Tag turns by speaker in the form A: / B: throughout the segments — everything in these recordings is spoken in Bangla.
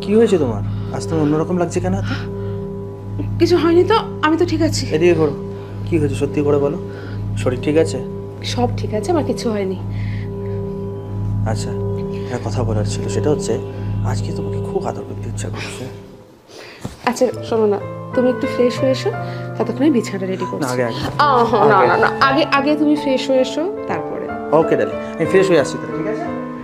A: কি হয়েছে তোমার? আজ তোমার অন্যরকম লাগছে কেন? এত
B: কিছু হয়নি তো, আমি তো ঠিক আছি।
A: এদিকে করো, কি হয়েছে সত্যি করে বলো। শরীর ঠিক আছে?
B: সব ঠিক আছে, আমার কিছু হয়নি।
A: আচ্ছা, একটা কথা বলার ছিল, সেটা হচ্ছে আজকে তোমাকে খুব আদর করতে ইচ্ছা করছে।
B: আচ্ছা শোনো না, তুমি একটু ফ্রেশ হয়ে এসো, ততক্ষণে বিছানাটা রেডি করছি।
A: না, আগে আগে
B: না না না, আগে আগে তুমি ফ্রেশ হয়ে এসো, তারপরে।
A: ওকে ডালি, আমি ফ্রেশ হয়ে আসছি তাহলে, ঠিক আছে?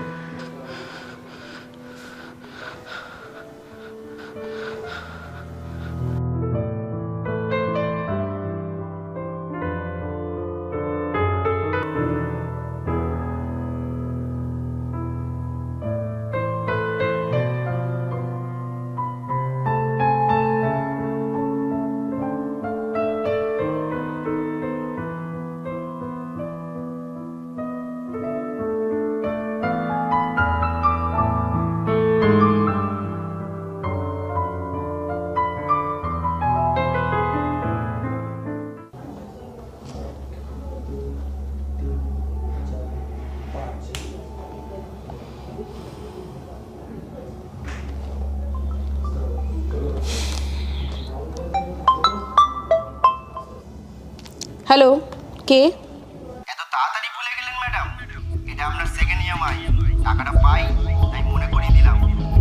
B: হ্যালো, কে?
C: এত তাড়াতাড়ি ভুলে গেলেন ম্যাডাম? এটা আপনার সেকেন্ড ইএমআই, টাকাটা পাই তাই মনে করিয়ে দিলাম।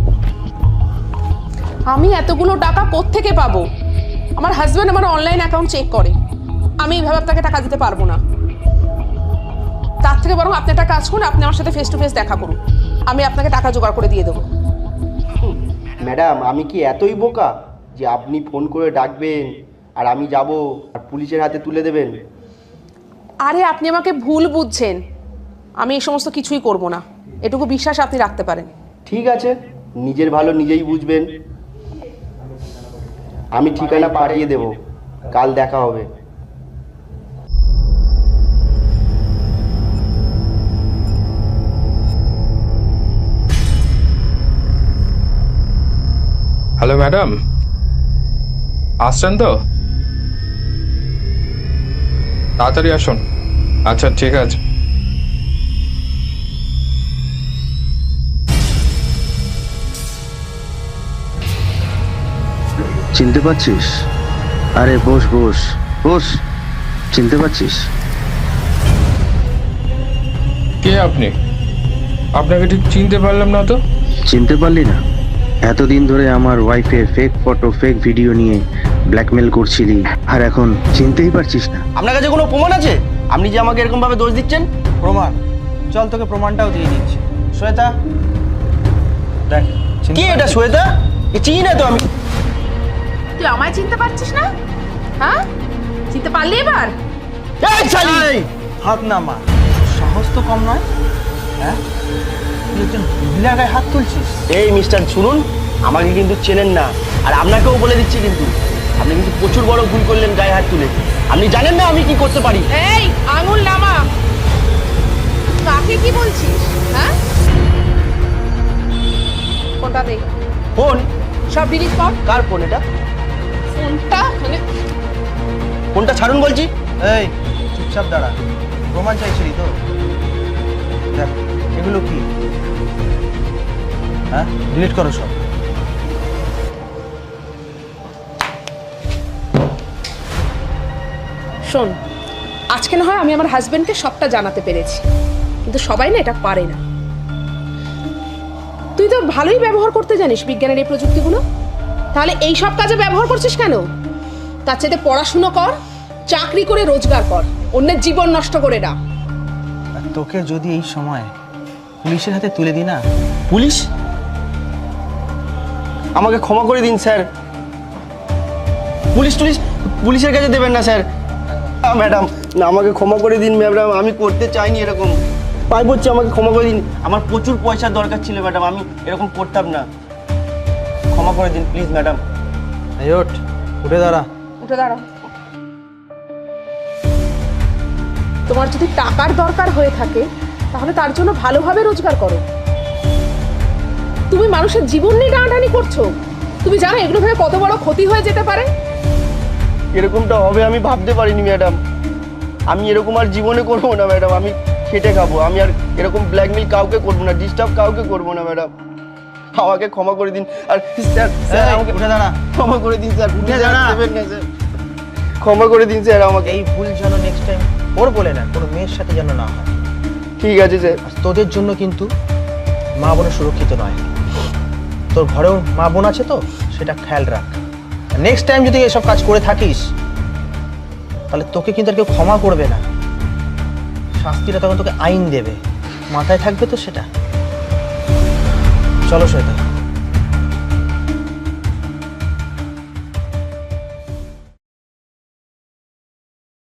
B: আমি এতগুলো টাকা কোত্থেকে পাবো? আমার হাজব্যান্ড আমার অনলাইন অ্যাকাউন্ট চেক করে, আমি এইভাবে আপনাকে টাকা দিতে পারবো না। তার থেকে বরং আপনি একটা কাজ করুন, আপনি আমার সাথে ফেস টু ফেস দেখা করুন, আমি আপনাকে টাকা জোগাড় করে দিয়ে দেবো।
C: ম্যাডাম, আমি কি এতই বোকা যে আপনি ফোন করে ডাকবেন আর আমি যাব আর পুলিশের হাতে তুলে দেবেন?
B: আরে আপনি আমাকে ভুল বুঝছেন, আমি এই সমস্ত কিছুই করব না, এটুকু বিশ্বাস আপনি রাখতে পারেন।
C: ঠিক আছে, নিজের ভালো নিজেই বুঝবেন। আমি ঠিকানা পাঠিয়ে দেব, কাল দেখা হবে।
D: হ্যালো ম্যাডাম, আসছেন তো? তাড়াতাড়ি আসুন। আচ্ছা ঠিক আছে।
E: চিনতে পারছিস? আরে বস বস বস, চিনতে পারছিস?
D: কে আপনি? আপনাকে ঠিক চিনতে পারলাম না তো।
E: চিনতে পারলি না? এতদিন ধরে আমার ওয়াইফের ফেক ফটো ফেক ভিডিও নিয়ে ব্ল্যাকমেল করছিলি, আর এখন চিনতেই পারছিস না?
C: আপনার কাছে কোনো প্রমাণ আছে আপনি যে আমাকে এরকম ভাবে দোষ দিচ্ছেন?
A: প্রমাণ? চল তোকে প্রমাণটাও দিয়ে দিচ্ছি। শ্বেতা, দেখ।
C: কি এটা শ্বেতা? এ চিনি না তো আমি।
B: তুই আমায় চিনতে পারছিস না? হ্যাঁ, চিনতে পারলি এবার?
C: এই শালি!
A: এই, হাত নামা, সাহস তো কম নয়। হ্যাঁ, তুই একজন মহিলার গায়ে হাত তুলছিস?
C: এই মিস্টার, শুনুন, আমাকে কিন্তু চেনেন না, আর আপনাকেও বলে দিচ্ছি কিন্তু আপনি কিন্তু প্রচুর বড় ভুল করলেন গায়ে হাত তুলে। আপনি জানেন না আমি কি করতে পারি।
B: এই আঙুল নামা, কাকে কি বলছিস? হ্যাঁ, ফোনটা দে।
C: ফোন?
B: সব ডিলিট কর।
C: কার ফোন এটা?
B: ফোনটা মানে
C: ফোনটা ছাড়ুন বলছি।
A: এই চুপচাপ দাঁড়া, প্রমাণ চাইছিলি তো? দেখ এগুলো কি? হ্যাঁ, ডিলিট করো সব।
B: শোন, আজকে না হয় আমি আমার হাজবেন্ডকে সবটা জানাতে পেরেছি, কিন্তু সবাই না এটা পারে না। তুই তো ভালোই ব্যবহার করতে জানিস বিজ্ঞানের এই প্রযুক্তিগুলো, তাহলে এই সব কাজে ব্যবহার করছিস কেন? তার চাইতে পড়াশুনো কর, চাকরি করে রোজগার কর, অন্যের জীবন নষ্ট করে না।
A: আর তোকে যদি এই সময় পুলিশের হাতে তুলে দিই না?
C: পুলিশ? আমাকে ক্ষমা করে দিন স্যার। পুলিশের কাছে দেবেন না স্যার। ম্যাডাম, না, আমাকে ক্ষমা করে দিন ম্যাডাম, আমি করতে চাইনি এরকম। পাই বলছি, আমাকে ক্ষমা করে দিন। আমার প্রচুর পয়সার দরকার ছিল ম্যাডাম, আমি এরকম করতাম না। ক্ষমা করে দিন প্লিজ ম্যাডাম।
A: এই ওঠ, উঠে দাঁড়া।
B: উঠে দাঁড়াও। তোমার যদি টাকার দরকার হয়ে থাকে তাহলে তার জন্য ভালোভাবে রোজগার করো। তুমি মানুষের জীবন নিয়ে টানাটানি করছো। তুমি জানো এগুলো ভেবে কত বড় ক্ষতি হয়ে যেতে পারে?
C: এরকমটা হবে আমি ভাবতে পারিনি ম্যাডাম। আমি এরকম আর জীবনে করবো না ম্যাডাম। আমি খেটে খাবো, আমি আর এরকম ব্ল্যাকমেল কাউকে করবো না, ডিস্টার্ব কাউকে করবো না ম্যাডাম। আমাকে ক্ষমা করে দিন। আর স্যার স্যার আমাকে
A: উঠে দাঁড়া।
C: ক্ষমা করে দিন স্যার,
A: উঠে দাঁড়া।
C: দেবেন না স্যার, ক্ষমা করে দিন স্যার আমাকে।
A: এই ভুল যেন নেক্সট টাইম ওর বলে না, কোনো মেয়ের সাথে যেন না হয়।
C: ঠিক আছে স্যার।
A: আর তোদের জন্য কিন্তু মা বোন সুরক্ষিত নয়। তোর ঘরেও মা বোন আছে তো, সেটা খেয়াল রাখ। নেক্সট টাইম যদি এসব কাজ করে থাকিস তাহলে তোকে কিন্তু আর কেউ ক্ষমা করবে না, শাস্তিটা তখন তোকে আইন দেবে। মাথায় থাকবে তো সেটা। চলো শ্বেতা।